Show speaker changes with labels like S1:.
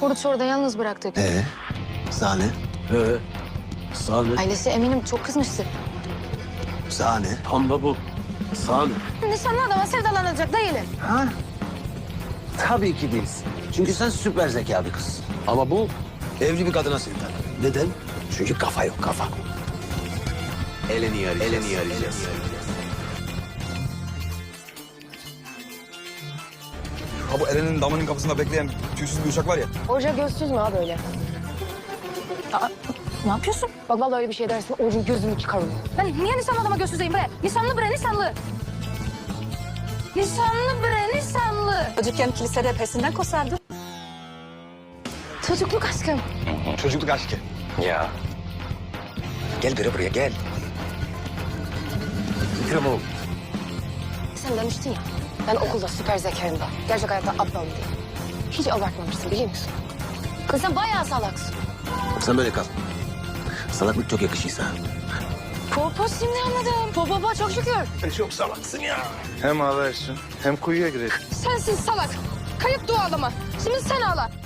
S1: Oruç orada yalnız bıraktık.
S2: Sahne.
S3: Sahne.
S1: Ailesi eminim çok kızmıştı.
S2: Sahne.
S3: Tam da bu. Sahne.
S1: Nişanlı adama sevdalanacak değilim.
S2: Ha? Tabii ki değilsin. Çünkü sen süper zeka bir kızsın. Ama bu evli bir kadına sevdalı. Neden? Çünkü kafa yok, kafa. Eleni arayacağız.
S4: Ha bu Eren'in damının kapısında bekleyen tüysüz bir uçak var ya.
S1: Hoca gözsüz mü abi öyle? Aa, ne yapıyorsun? Bak vallahi öyle bir şey dersin, Oruç'un gözünü çıkarım. Ben niye nişanlı adama gözsüzeyim bre? Nişanlı bre, nişanlı. Nişanlı bre, nişanlı.
S5: Çocukken kilisede pesinden kosardı.
S1: Çocukluk aşkım.
S4: Çocukluk aşkı.
S2: Ya. Gel biri buraya, gel. Fikrim oğlum.
S1: Sen demiştin ya, ben okulda süper zekayım da, gerçek hayatta aptalım diye. Hiç abartmamışsın biliyor musun? Kız sen bayağı salaksın.
S2: Sen böyle kal. Salaklık çok yakışıyor sana.
S1: Popo şimdi anladım. Popo çok şükür.
S2: Çok salaksın ya.
S4: Hem ağlarsın hem kuyuya girer.
S1: Sensin salak. Kayıp dualama. Şimdi sen ağla.